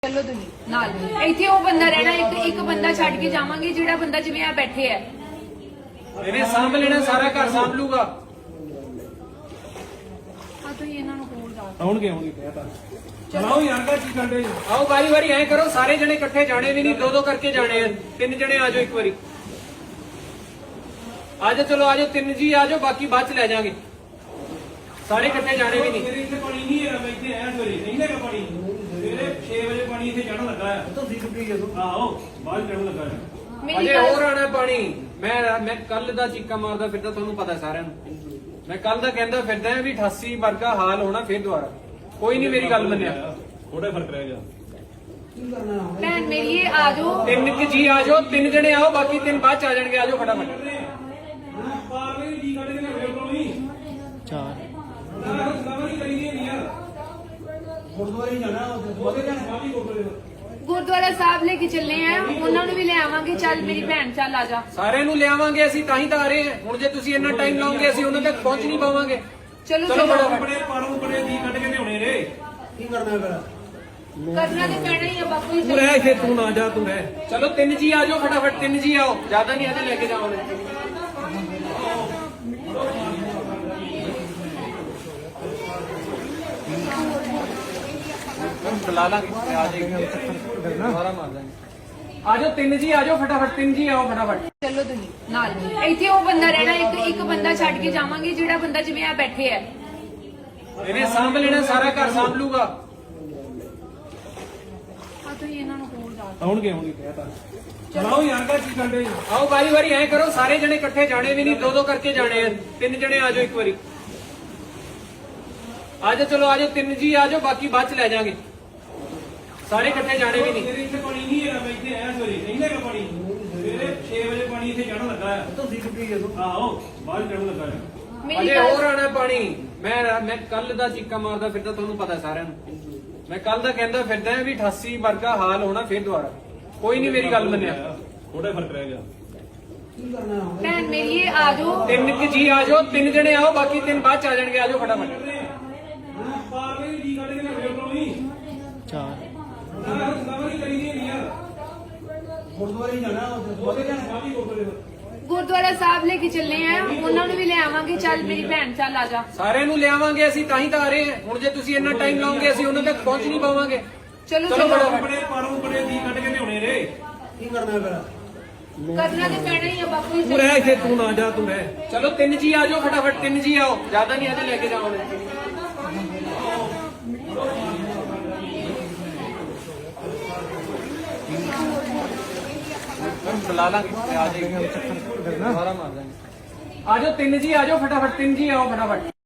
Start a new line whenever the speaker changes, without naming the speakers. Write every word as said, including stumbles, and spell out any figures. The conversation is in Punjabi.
चलो तुम नाल इत्थे वो बंदा रहना एक एक बंदा छड़ के जावांगे जेड़ा बंदा जिवें आ बैठे है
ਇਹਨੇ ਸਾਂਭ ਲੈਣਾ ਸਾਰਾ ਘਰ ਸਾਂਭ ਲੂਗਾ।
ਆ ਤੁਸੀਂ ਇਹਨਾਂ ਨੂੰ ਕੋਲ ਜਾ
ਆਉਣਗੇ ਆਉਣਗੇ ਕਹਿਤਾ ਚਲਾਓ ਯਾਰ ਦਾ ਕੀ ਕਰਦੇ ਆਓ ਵਾਰੀ ਵਾਰੀ ਐ ਕਰੋ ਸਾਰੇ ਜਣੇ ਇਕੱਠੇ ਜਾਣੇ ਵੀ ਨਹੀਂ ਦੋ ਦੋ ਕਰਕੇ ਜਾਣੇ ਆ ਤਿੰਨ ਜਣੇ ਆ ਜਾਓ ਇੱਕ ਵਾਰੀ ਆ ਜਾਓ ਚਲੋ ਆ ਜਾਓ ਤਿੰਨ ਜੀ ਆ ਜਾਓ ਬਾਕੀ ਬਾਅਦ ਚ ਲੈ ਜਾਾਂਗੇ ਸਾਰੇ ਇਕੱਠੇ ਜਾਣੇ ਵੀ ਨਹੀਂ।
ਇੱਥੇ ਪਾਣੀ ਨਹੀਂ ਹੈ ਮੈਂ ਇੱਥੇ ਐ ਸਵੇਰੇ ਨਹੀਂ ਹੈਗਾ ਪਾਣੀ ਸਵੇਰੇ ਛੇ ਵਜੇ ਪਾਣੀ ਇੱਥੇ ਚੜਨ ਲੱਗਾ ਆ ਤੁਸੀਂ ਸੁੱਕੀ ਜਦੋਂ ਆਹੋ ਬਾਹਰ ਚੜਨ ਲੱਗਾ ਆ
मेरी
ਅਜੇ
गल
ਹੋਰ ਆਣਾ ਪਾਣੀ ਮੈਂ ਮੈਂ ਕੱਲ ਦਾ ਚੀਕਾ ਮਾਰਦਾ ਫਿਰਦਾ ਤੁਹਾਨੂੰ ਪਤਾ ਸਾਰਿਆਂ ਨੂੰ ਮੈਂ ਕੱਲ ਦਾ ਕਹਿੰਦਾ ਫਿਰਦਾ ਵੀ ਅਠਾਸੀ ਵਰਗਾ ਹਾਲ ਹੋਣਾ ਫਿਰ ਦੁਬਾਰਾ ਕੋਈ ਨਹੀਂ ਮੇਰੀ ਗੱਲ ਮੰਨਿਆ
ਥੋੜਾ ਫਰਕ ਰਹਿ ਗਿਆ
भैन मेरी ये आ जाओ
ਤਿੰਨ ਕਿ ਜੀ ਆ ਜਾਓ ਤਿੰਨ ਜਣੇ ਆਓ ਬਾਕੀ ਤਿੰਨ ਬਾਅਦ ਚ ਆ ਜਾਣਗੇ ਆ ਜਾਓ ਫਟਾਫਟ
ਪਾਰਲੇ ਜੀ ਕੱਢ ਕੇ ਮੇਰੇ ਕੋਲ ਨਹੀਂ ਚਾਰ ਸਲਾਮੀ ਕਰੀਏ ਨਹੀਂ ਯਾਰ ਗੁਰਦੁਆਰੇ ਜਾਣਾ ਉਹਦੇ ਜਾਣਾ ਸਾਡੀ ਗੁਰਦੁਆਰੇ
गुरुद्वारा साहब लेके चलने हैं उन्होंने भी ले आवांगे चल मेरी भैन चल आ जा
ਸਾਰਿਆਂ ਨੂੰ ਲਿਆਵਾਂਗੇ ਅਸੀਂ ਤਾਂ ਹੀ ਤਾਂ ਆ ਰਹੇ ਹਾਂ ਹੁਣ ਜੇ ਤੁਸੀਂ ਇੰਨਾ ਟਾਈਮ ਲਾਓਗੇ ਅਸੀਂ ਉਹਨਾਂ ਤੱਕ ਪਹੁੰਚ ਨਹੀਂ ਪਾਵਾਂਗੇ।
चलो
चलो
चलो
बड़ा-
ਬੜੇ ਪਾਰੋਂ ਬੜੇ ਜੀ ਕੱਢ ਕੇ ਲਿਆਉਣੇ ਰੇ ਕੀ ਕਰਨਾ ਫਿਰ
करना तो पैना ही है बापू जी
ਤੂੰ ਰਹਿ ਇੱਥੇ ਤੂੰ ਨਾ ਜਾ ਤੂੰ ਰਹਿ ਚਲੋ ਤਿੰਨ ਜੀ ਆ ਜਾਓ ਫਟਾਫਟ ਤਿੰਨ ਜੀ ਆਓ ਜ਼ਿਆਦਾ ਨਹੀਂ ਅਜੇ ਲੈ ਕੇ ਜਾਵਾਂਗੇ। ਬੁਲਾ ਲਾਂਗੇ ਆ ਜਾਏਗੀ ਦੁਬਾਰਾ ਮਾਰ ਦਾਂਗੇ ਆ ਜਾਓ ਤਿੰਨ ਜੀ ਆ ਜਾਓ ਫਟਾਫਟ ਤਿੰਨ ਜੀ ਆਓ ਫਟਾਫਟ
चलो तुम नाल इत्थे वो बंदा रहना एक एक बंदा छड़ के जावांगे जेड़ा बंदा जिवें आ बैठे है
ਇਹਨੇ ਸਾਂਭ ਲੈਣਾ ਸਾਰਾ ਘਰ ਸਾਂਭ ਲੂਗਾ।
आ ਤੁਸੀਂ ਇਹਨਾਂ ਨੂੰ ਕੋਲ ਜਾ
ਆਉਣਗੇ ਆਉਣਗੇ ਕਹਿਤਾ
ਚਲਾਓ ਯਾਰ ਦਾ ਕੀ ਕਰਦੇ
ਆਓ ਵਾਰੀ ਵਾਰੀ ਐ ਕਰੋ ਸਾਰੇ ਜਣੇ ਇਕੱਠੇ ਜਾਣੇ ਵੀ ਨਹੀਂ ਦੋ ਦੋ ਕਰਕੇ ਜਾਣੇ ਆ ਤਿੰਨ ਜਣੇ ਆ ਜਾਓ ਇੱਕ ਵਾਰੀ ਆ ਜਾਓ ਚਲੋ ਆ ਜਾਓ ਤਿੰਨ ਜੀ ਆ ਜਾਓ ਬਾਕੀ ਬਾਅਦ ਚ ਲੈ ਜਾਾਂਗੇ ਸਾਰੇ ਇਕੱਠੇ ਜਾਣੇ ਵੀ ਨਹੀਂ।
ਇੱਥੇ ਪਾਣੀ ਨਹੀਂ ਹੈ ਮੈਂ ਇੱਥੇ ਐ ਸਵੇਰੇ ਨਹੀਂ ਹੈਗਾ ਪਾਣੀ ਸਵੇਰੇ ਛੇ ਵਜੇ ਪਾਣੀ ਇੱਥੇ ਚੜਨ ਲੱਗਾ ਆ ਤੁਸੀਂ ਸੁੱਕੀ ਜਦੋਂ ਆਹੋ ਬਾਹਰ ਚੜਨ ਲੱਗਾ ਆ
मेरी
ਅਜੇ
गल
ਹੋਰ ਆਣਾ ਪਾਣੀ ਮੈਂ ਮੈਂ ਕੱਲ ਦਾ ਚੀਕਾ ਮਾਰਦਾ ਫਿਰਦਾ ਤੁਹਾਨੂੰ ਪਤਾ ਸਾਰਿਆਂ ਨੂੰ ਮੈਂ ਕੱਲ ਦਾ ਕਹਿੰਦਾ ਫਿਰਦਾ ਵੀ ਅਠਾਸੀ ਵਰਗਾ ਹਾਲ ਹੋਣਾ ਫਿਰ ਦੁਬਾਰਾ ਕੋਈ ਨਹੀਂ ਮੇਰੀ ਗੱਲ ਮੰਨਿਆ।
ਥੋੜਾ ਫਰਕ ਰਹਿ ਗਿਆ
भैन मेरी ये आ जाओ
ਤਿੰਨ ਕਿ ਜੀ ਆ ਜਾਓ ਤਿੰਨ ਜਣੇ ਆਓ ਬਾਕੀ ਤਿੰਨ ਬਾਅਦ ਚ ਆ ਜਾਣਗੇ ਆ ਜਾਓ ਫਟਾਫਟ
ਪਾਰਲੇ ਜੀ ਕੱਢ ਕੇ ਮੇਰੇ ਕੋਲ ਨਹੀਂ ਚਾਰ ਸਲਾਮੀ ਕਰੀਏ ਨਹੀਂ ਯਾਰ ਗੁਰਦੁਆਰੇ ਜਾਣਾ ਉਹਦੇ ਜਾਣਾ ਸਾਡੀ ਗੁਰਦੁਆਰੇ
गुरुद्वारा साहब लेके चलने हैं उन्होंने भी ले आवांगे चल मेरी भैन चल आ जा
ਸਾਰਿਆਂ ਨੂੰ ਲਿਆਵਾਂਗੇ ਅਸੀਂ ਤਾਂ ਹੀ ਤਾਂ ਆ ਰਹੇ ਹਾਂ ਹੁਣ ਜੇ ਤੁਸੀਂ ਇੰਨਾ ਟਾਈਮ ਲਾਓਗੇ ਅਸੀਂ ਉਹਨਾਂ ਤੱਕ ਪਹੁੰਚ ਨਹੀਂ ਪਾਵਾਂਗੇ।
चलो
चलो
चलो
बड़ा-
ਬੜੇ ਪਾਰੋਂ ਬੜੇ ਜੀ ਕੱਢ ਕੇ ਲਿਆਉਣੇ ਰੇ ਕੀ ਕਰਨਾ ਫਿਰ
करना तो पैना ही है बापू जी
ਤੂੰ ਰਹਿ ਇੱਥੇ ਤੂੰ ਨਾ ਜਾ ਤੂੰ ਰਹਿ ਚਲੋ ਤਿੰਨ ਜੀ ਆ ਜਾਓ ਫਟਾਫਟ ਤਿੰਨ ਜੀ ਆਓ ਜ਼ਿਆਦਾ ਨਹੀਂ ਅਜੇ ਲੈ ਕੇ ਜਾਵਾਂਗੇ। ਬੁਲਾ ਲਾਂਗੇ ਆ ਜਾਏਗੀ ਦੁਬਾਰਾ ਮਾਰ ਦਾਂਗੇ ਆ ਜਾਓ ਤਿੰਨ ਜੀ ਆ ਜਾਓ ਫਟਾਫਟ ਤਿੰਨ ਜੀ ਆਓ ਫਟਾਫਟ